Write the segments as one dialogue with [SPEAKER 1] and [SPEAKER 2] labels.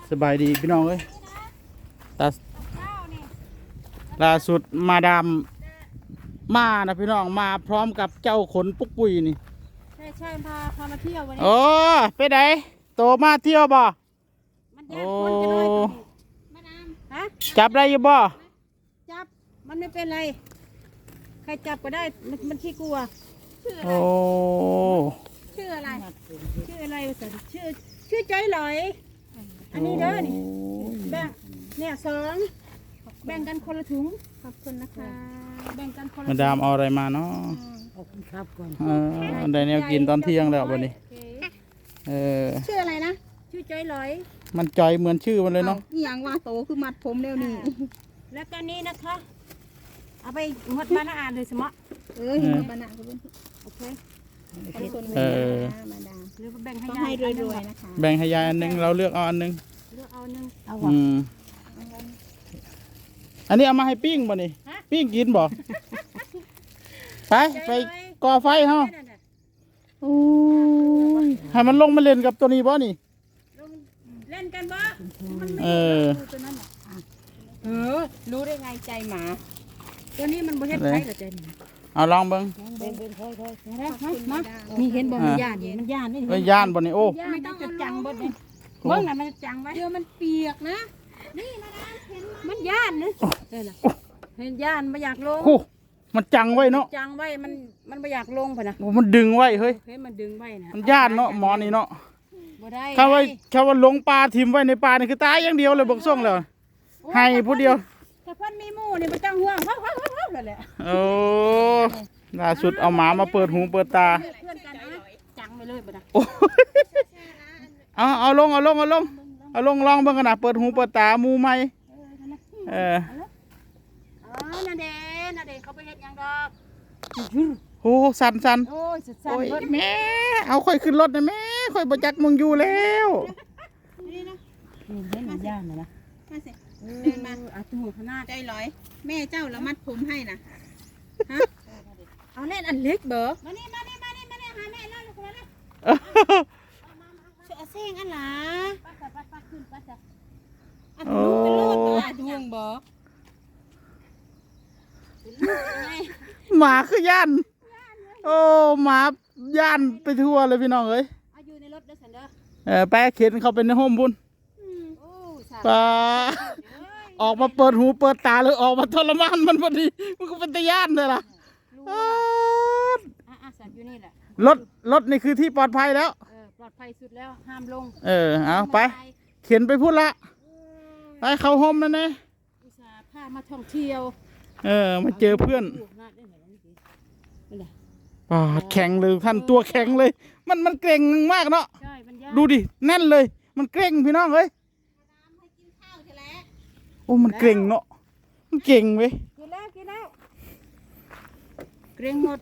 [SPEAKER 1] สบายดีพี่น้องเอ้ยล่าสุดมาดามมานะพี่น้องมาพร้อมกับเจ้าขนปุกปุยนี่
[SPEAKER 2] ใช่พามาเที่ยววันนี้
[SPEAKER 1] โอ้ไปไหนโตมาเที่ยวบ่
[SPEAKER 2] มันแยกคนกันเลยมาดามฮะ
[SPEAKER 1] จับได้อยู่บ่
[SPEAKER 2] จับมันไม่เป็นไรใครจับก็ได้มันขี้กลัวชื่ออะไรชื่ออะไรชื่อใจลอยอันนี้เด้อนี่แบ่งเนี่ย2แบ่งกันคนละถุงขอบคุณนะคะแบ่งกันคนละ
[SPEAKER 1] มาดามเอาอะไรมาเนาะ
[SPEAKER 2] ขอบคุณครับก่อน
[SPEAKER 1] ได้แนวกินตอนเที่ยงแล้ววันนี้
[SPEAKER 2] ชื่ออะไรนะชื่อใจลอย
[SPEAKER 1] มันจอยเหมือนชื่อมันเลยเนาะ
[SPEAKER 2] อย่างว่าโตคือมัดผมแล้วนี่แล้วก็นี้นะคะเอาไปมัดบ้านอ่านเลยสมะเห็นบ้านอ่านโอเคมาดามหรือแบ่งให้ยายรวยๆนะคะ
[SPEAKER 1] แบ่งให้ยายอันนึงเราเลือกเอาอันนึงอันนี้เอามาให้ปิ้งบ่นี่ปิ้งกินบ่ไปก่อไฟเฮาให้มันลงมาเล่นกับตัวนี้บ่นี่
[SPEAKER 2] เล่นกันบ่รู้ได้ไงใจหมาตัวนี้มันบ่เฮ็ดไผเหรอใจหมา
[SPEAKER 1] เอาลองเบิ่ง
[SPEAKER 2] มานี่เห็นบ่มันย่านมันย่านนี่
[SPEAKER 1] ย่านบ่นี่โอ้
[SPEAKER 2] ไม่ต้องจะจังบ่นี่เบิ่งน่ะมันจังไว้เดี๋ยวมันเปียกนะนี่มาดามเห็นมันย่านนะเห็นย่านไม่อยากลง
[SPEAKER 1] มันจังไว้เนาะ
[SPEAKER 2] จังไว้มันไม่อยากลงป่ะนะ
[SPEAKER 1] มันดึงไว้เฮ้ย
[SPEAKER 2] มันดึงไว้นะ
[SPEAKER 1] มันย่านเนาะหมอนี่เนาะ
[SPEAKER 2] บ่ได้
[SPEAKER 1] เขาว่าลงปลาทิ่มไว้ในปลานี่คือตายอย่างเดียวเลยบอกส่งเลยให้ผู้เดียว
[SPEAKER 2] ถ้าเพิ่นมีหมู่นี่บ่ต้องห่วงนั่นแหละ
[SPEAKER 1] โอ้ล่าสุดเอาหมามาเปิดหูเปิดตา
[SPEAKER 2] เพื่อนกันนะจังไปเลยบ่ได้
[SPEAKER 1] เอาลงลองเบิ่งกันนะเปิดหูเปิดตามูไหม
[SPEAKER 2] นาเดเขาไปเฮ็ดหยังดอก
[SPEAKER 1] โอ้สัน
[SPEAKER 2] โอ้ยสั่น
[SPEAKER 1] แม่เอาค่อยขึ้นรถนะแม่ค่อยบ่จักมึงอยู่แล้ว
[SPEAKER 2] นี่นะเห็นมันย่านนะเดินมาตัวขนาดใจลอยแม่เจ้าละมัดผมให้นะฮะเอาเล่นอันเล็กเบอมานี่หาแม่แล้วลูกมาแล้วเสียงอันหล่ะปัดขึ้นจ้ะอันลูกเป็นโลดบ่ดวงบ่
[SPEAKER 1] หมาคือย่านโอ้หมาย่านไปทั่วเลยพี่น้องเอ้ย
[SPEAKER 2] อยู่ในรถเด้อสันเด้อ
[SPEAKER 1] แปะเข็นเขาเป็นในห้องบุญปลาออกมาเปิดหูเปิดตาเลยออกมาทรมานมันพอดีมันก็เป็นตะย่านเลยล่ะ
[SPEAKER 2] สัตว์อยู่นี่แหละ
[SPEAKER 1] รถนี่คือที่ปลอดภัยแล้ว
[SPEAKER 2] ปลอดภัยสุดแล้วห้ามลง
[SPEAKER 1] เอาไปเข็นไปพูดละไปเข้าห้องนั่นนะ
[SPEAKER 2] อุตส่าห์พามาท่องเที่ยว
[SPEAKER 1] มาเจอเพื่อนแข็งเลยท่านตัวแข็งเลยมันเกร็งมากเนาะดูดิแน่นเลยมันเกร็งพี่น้องเอ้ยโอ้มันเกร็งเนาะมันเก่งเว้ย
[SPEAKER 2] กินแล้วเกร็งหมด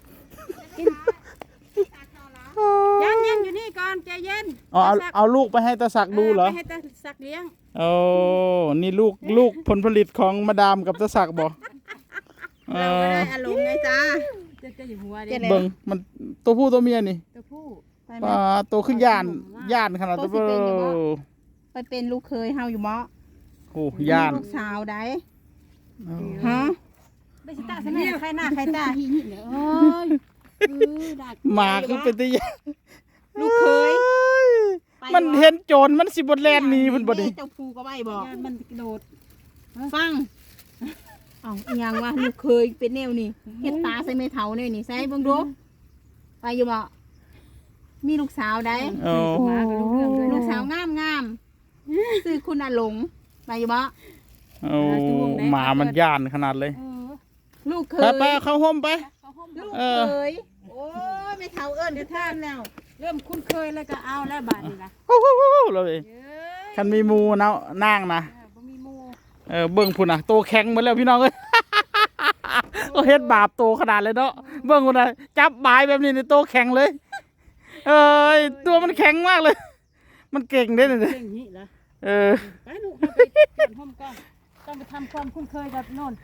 [SPEAKER 2] ยังอยู่นี่ก่อนใจเย็น
[SPEAKER 1] เอาลูกไปให้ตาศักดูเหรอ
[SPEAKER 2] ให้ตาศักเลี้ยง
[SPEAKER 1] โอ้นี่ลูกผลผลิตของมาดามกับตาศักบอก
[SPEAKER 2] เราก็ได้อารมณ์ไงจ้าจะอยู่หัว
[SPEAKER 1] เบิ่งมันตัวผู้ตัวเมียนี่
[SPEAKER 2] ตัวผู้
[SPEAKER 1] ตัวขึ้นย่านขนาดตัว
[SPEAKER 2] ไปเป็นลูกเคยเฮาอยู่มั้ง
[SPEAKER 1] โอ้ย่าน
[SPEAKER 2] ลูกสาวได้ฮะไม่ใช่ตาใช่ไหมใครหน้าใครตาโอ้ย
[SPEAKER 1] หมาคือเป็นตัวย่าน
[SPEAKER 2] ลูกเคย
[SPEAKER 1] มันเห็นโจรมันสิบดแลนนี่มันบ่ได้
[SPEAKER 2] เจ้าภูก็ไม่บอกมันกระโดดฟังยังว่าลูกเคยเป็นแนวนี่เห็ดตาใส่เมทัลเนี่ยนี่ใส่บังดูไปอยู่บ่มีลูกสาวได้ลูกสาวงามซื้อคุณอาหลงไปอยู่บ่
[SPEAKER 1] หมามันย่านขนาดเลย
[SPEAKER 2] ลูกเคย
[SPEAKER 1] ไปเข้าห้องไป
[SPEAKER 2] ลูกเคยโอ้ยเมทัลเอิ้นจะท่านแล้วเริ่มคุ้นเคยแล้วก็เอาแล้วบาดนี่นะ
[SPEAKER 1] เลยคันมีมูนะนางนะเบิ่งพุ่นน่ะโตแข็งหมดแล้วพี่น้องเอ้ยก็เฮ็ดบาปโตขนาดเลยเนาะเบิ่งพุ่นน่ะจับบายแบบนี้ในโตแข็งเลยตัวมันแข็งมากเลยมันเก่งได้เลย
[SPEAKER 2] เก่งนี่เหรอไปลูกไปเปลี่ยนห้องก่อนต้องไปทำความคุ้นเคยกับโน่น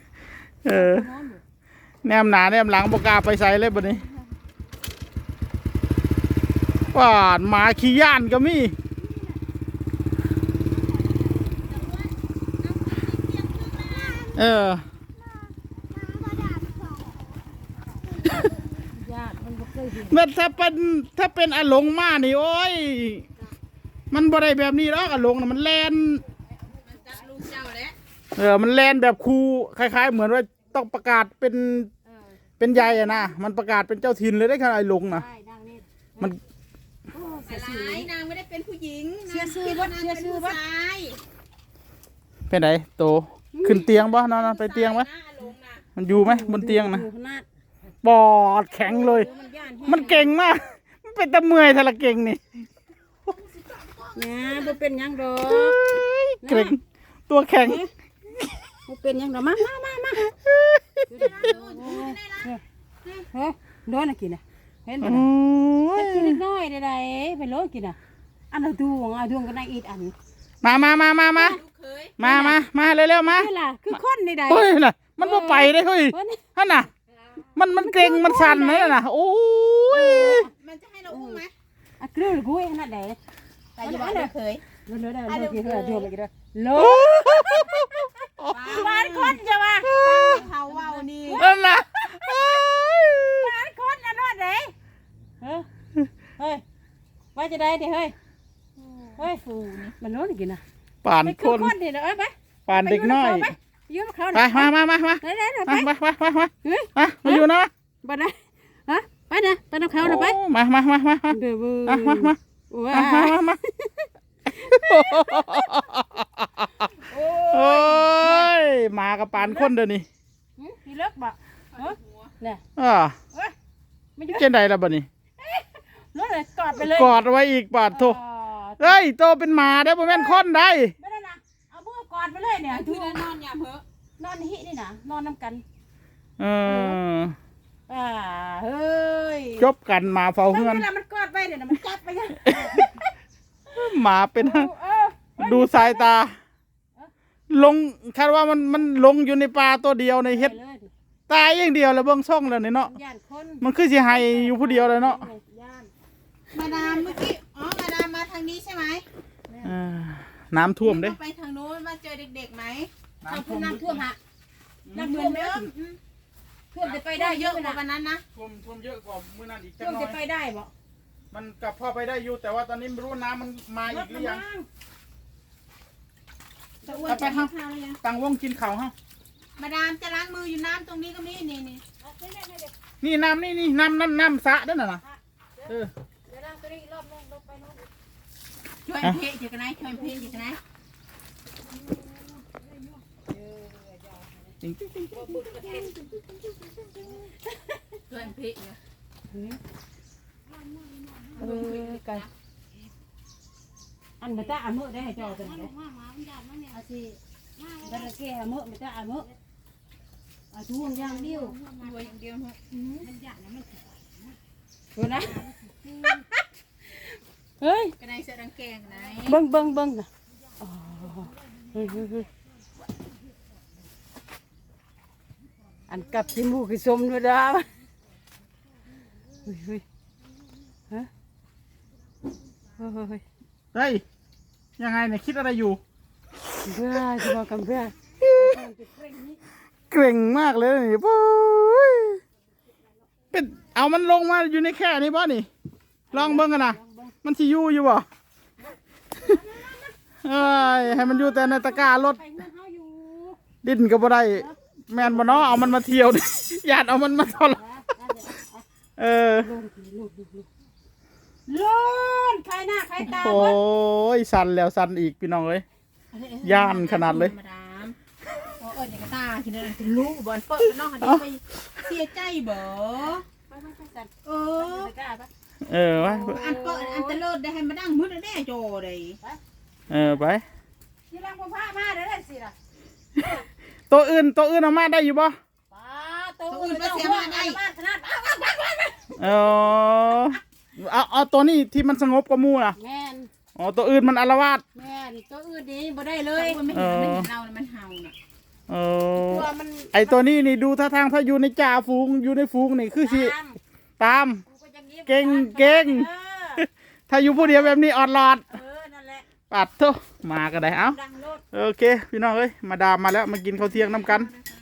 [SPEAKER 1] แนมหนาแนมหลังบกาไปใส่เลยบัดนี้ว่าหมาขี้ย่านก็มีเออ
[SPEAKER 2] ญาติมันบ่เคยเห็น
[SPEAKER 1] เมื่อถ้าเป็นอาหลงมานี่โอ้ยมันบ่ได้แบบนี้หรอกอาหลงน่ะมันแลน
[SPEAKER 2] มันจัดลูกเจ้าแล้ว
[SPEAKER 1] มันแลนแบบครูคล้ายๆ เหมือนว่าต้องประกาศเป็นใหญ่อะนะมันประกาศเป็นเจ้าถิ่นเลยได้ขนาดไอ้หลงนะ
[SPEAKER 2] ใช่นางนี่
[SPEAKER 1] มัน
[SPEAKER 2] หลายนางไม่ได้เป็นผู้หญิง
[SPEAKER 3] เชื่อชื่อบ่เชื่อชื่อบ่
[SPEAKER 1] เป็นไหนโตขึ้นเตียงบ่นอนไปเตียงไหมมันอยู่ไหมบนเตียงนะ
[SPEAKER 3] อยู่ขนาด
[SPEAKER 1] ปอดแข็งเลย
[SPEAKER 3] มันย่าน
[SPEAKER 1] มันเก่งมากมันเป็นตะเมื่อยทะละเก่งนี่
[SPEAKER 3] เนี่ยบ่เป็นหยังดอก
[SPEAKER 1] เก่งตัวแข็ง
[SPEAKER 3] บ่เป็นหยังดอกมาเฮ้ยโดนน่ะกินน่ะเห็นบ่
[SPEAKER 1] โอ้
[SPEAKER 3] น่ะ
[SPEAKER 1] ย
[SPEAKER 3] กินนิดหน่อยได้ๆไปโลกินน่ะอันละดวงเอาดวงกันได้อีกอัน
[SPEAKER 1] มาเร็วๆมา
[SPEAKER 3] นี่ล่ะคือคนนี่ได้
[SPEAKER 1] เฮ้ยน่ะมันบ่ไปได้เฮ้ย
[SPEAKER 3] เพิ่น
[SPEAKER 1] นั่นน่ะมันเกร็งมันสั่นเลยน่ะโอ้ย
[SPEAKER 2] มันจะให้เราอุ้มไหม
[SPEAKER 3] อ่ะกลือกูเองนั่นแหละ
[SPEAKER 2] แต่อย่าบอกเราเคย
[SPEAKER 3] เร็วๆได้โลกินเฮ้ยดวงไปกินเด้อโลบ้านคนจะว่า
[SPEAKER 2] เขาเว้านี่
[SPEAKER 1] นั่นน่ะ
[SPEAKER 3] บ้านคนอันนั้นเด้เฮ้ยว่าจะได้ดิเฮ้ยฟูนี่มันโลกินน่ะ
[SPEAKER 1] ป่าน
[SPEAKER 3] ไป
[SPEAKER 1] ค
[SPEAKER 3] คือน คนเดี๋ยวเอาไป
[SPEAKER 1] ป่านเด็กน้อย
[SPEAKER 3] ยืมเขา
[SPEAKER 1] ไปมา
[SPEAKER 3] ได้ไป
[SPEAKER 1] มาอยู่นะ
[SPEAKER 3] บ่ได้ฮะไปนะไปน้ำเขานะไป
[SPEAKER 1] มา
[SPEAKER 3] เดี๋ยว
[SPEAKER 1] มา
[SPEAKER 3] ว้า
[SPEAKER 1] โอ้ยมากับป่านคนเดี๋ยวนี้
[SPEAKER 3] พี่เลิกบ่เนี่ย ไม่ยืม
[SPEAKER 1] เจนใดล่ะบ่นี่
[SPEAKER 3] รถเลยกอดไปเลย
[SPEAKER 1] กอดไว้อีกบาดโทเฮ้ยโตเป็นหมาได้บ่แม่นคนได้
[SPEAKER 3] ไม่ได้นะเอามือกอดไปเลยเนี่ย
[SPEAKER 2] คือนอนอย่าเพ้อน
[SPEAKER 3] อนหินี่นะนอนน้ำกัน
[SPEAKER 1] เออ
[SPEAKER 3] เฮ้ย
[SPEAKER 1] จบกันหมาเฝ้าเฮือน
[SPEAKER 3] เวลามันกอดไปเนี่ยมันจับไปยัง
[SPEAKER 1] หมาเป็นดูสายตา ลงคาดว่ามันลงอยู่ในป่าตัวเดียวในเฮ็ดตายอย่างเดียวแล้วเบิ่งช่องแล้วนี่เนาะ
[SPEAKER 3] ย่านคน
[SPEAKER 1] มันคือสิให้อยู่ผู้เดียวเลยเนาะ
[SPEAKER 3] ย่าน
[SPEAKER 2] มาดามเมื่อกี้มาดามมาทางนี้ใช่ไหม
[SPEAKER 1] น้ำท่วมเด้
[SPEAKER 2] ไปทางโน้นมาเจอเด็กๆไหม
[SPEAKER 3] น้ำท่วมฮะน้ำท่วมเยอะท่วมจะไป
[SPEAKER 2] ได้
[SPEAKER 3] ได้
[SPEAKER 2] เย
[SPEAKER 3] เย
[SPEAKER 2] อะ
[SPEAKER 3] อะ
[SPEAKER 2] กว่า
[SPEAKER 3] นะ
[SPEAKER 2] วันนั้นนะ
[SPEAKER 1] ท่วมเยอะกว่ามื้อนั้นอีกจั
[SPEAKER 3] ท่
[SPEAKER 1] ก
[SPEAKER 3] วม
[SPEAKER 1] หน่อ
[SPEAKER 3] จะ
[SPEAKER 1] ย
[SPEAKER 3] ไปได้บ่
[SPEAKER 1] มันกลับพ่อไปได้อยู่แต่ว่าตอนนี้ไม่รู้น้ำมันมาอีกหรือยัง
[SPEAKER 2] ตะอ้วนจะกินข้าวหรือยัง
[SPEAKER 1] ตังวงกินข้าวเฮา
[SPEAKER 2] มาดามจะล้างมืออยู่น้ำตรงนี้ก็มีนี่
[SPEAKER 1] นี่น้ำนี่น้ำสระนั่นน่ะเออ
[SPEAKER 3] เดี๋ยวนั่งตัวนี้รอบนึงลงไปโน่น
[SPEAKER 2] ช่วยเพะอยู่กันไหนช่วยเพะอยู่กันไหน
[SPEAKER 1] จริง
[SPEAKER 2] ช่วยเพะอยู่
[SPEAKER 3] กันอันมันจะอ่านมือได้ให้จอกันเลยอาสิบัตรเกะมือมันจะอ่านมืออาช่วงย่างเดียว
[SPEAKER 2] รวยอย่างเดียวเนอะ
[SPEAKER 3] ดูนะเฮ้ย
[SPEAKER 2] กันไหนเสื้อดังแกงไหน
[SPEAKER 3] เบิ้งนะอันกับที่มูกิสมด้วยด้าเฮ้ยฮะเฮ้ย
[SPEAKER 1] เฮ้ยยังไงเนี่ยคิดอะไรอยู่
[SPEAKER 3] เพื่อจะมากันเพื่อ
[SPEAKER 1] เกร่งมากเลยนี่โอ้ยเป็นเอามันลงมาอยู่ในแค่นี้บ่นี่ลองเบิ่งกันนะมันสิอยู่บ่เอ้ยให้มันอยู่แต่ในตะกร้ารถ
[SPEAKER 3] ไปเงินเขาอยู่
[SPEAKER 1] ดิ้นก็บ่ได้แมนบ่เนาะเอามันมาเที่ยวดิ ญาติเอามันมาทรเออ
[SPEAKER 3] ล้นใครหน้าใครตา
[SPEAKER 1] โอ้ยสั่นแล้วสั่นอีกพี่น้องเอ้ย ย่านขนาดเลย
[SPEAKER 2] มาดามอย่างกระตาคิดอะไรเป็นลูกบอลเปิดน้องเขาไปเสียใจเบอ
[SPEAKER 3] ไปสั่น
[SPEAKER 2] เออ
[SPEAKER 3] ตะกร้าปะ
[SPEAKER 1] เออไว้
[SPEAKER 2] อันเปิดอันตะเลิศได้ให้มาดังมืดแน่โจเลย
[SPEAKER 1] เออไป
[SPEAKER 3] ที่รังพ่อพามาเดี๋ยวได้สิล่ะ
[SPEAKER 1] ตัวอื่นเอามาได้อยู่บ่
[SPEAKER 3] ป้าตัวอื่นไม่เสียมาได้ขนาด
[SPEAKER 1] เออเอาตัวนี้ที่มันสงบกว่าหมู่น่ะ
[SPEAKER 3] แม่น
[SPEAKER 1] อ๋อตัวอื่นมันอาละวาด
[SPEAKER 3] แม่นตัวอื่นนี่บ่ได้เล
[SPEAKER 2] เลย ยไม่เห็นเรามันเห่าน่ะ
[SPEAKER 1] เออ
[SPEAKER 3] ตัวมัน
[SPEAKER 1] ไอตัวนี้นี่ดูท่าทางถ้าอยู่ในจ่าฝูงอยู่ในฝูงนี่คือสิตาม เก่ง ถ้าอยู่ผู้เดียวแบบนี้ออดหลอด
[SPEAKER 3] นั่นแหละ
[SPEAKER 1] ปัดโตมาก็ได้เอ้า
[SPEAKER 3] ดังโลด
[SPEAKER 1] โอเคพี่น้องเอ้ยมาดามมาแล้วมากินข้าวเที่ยงน้ำกัน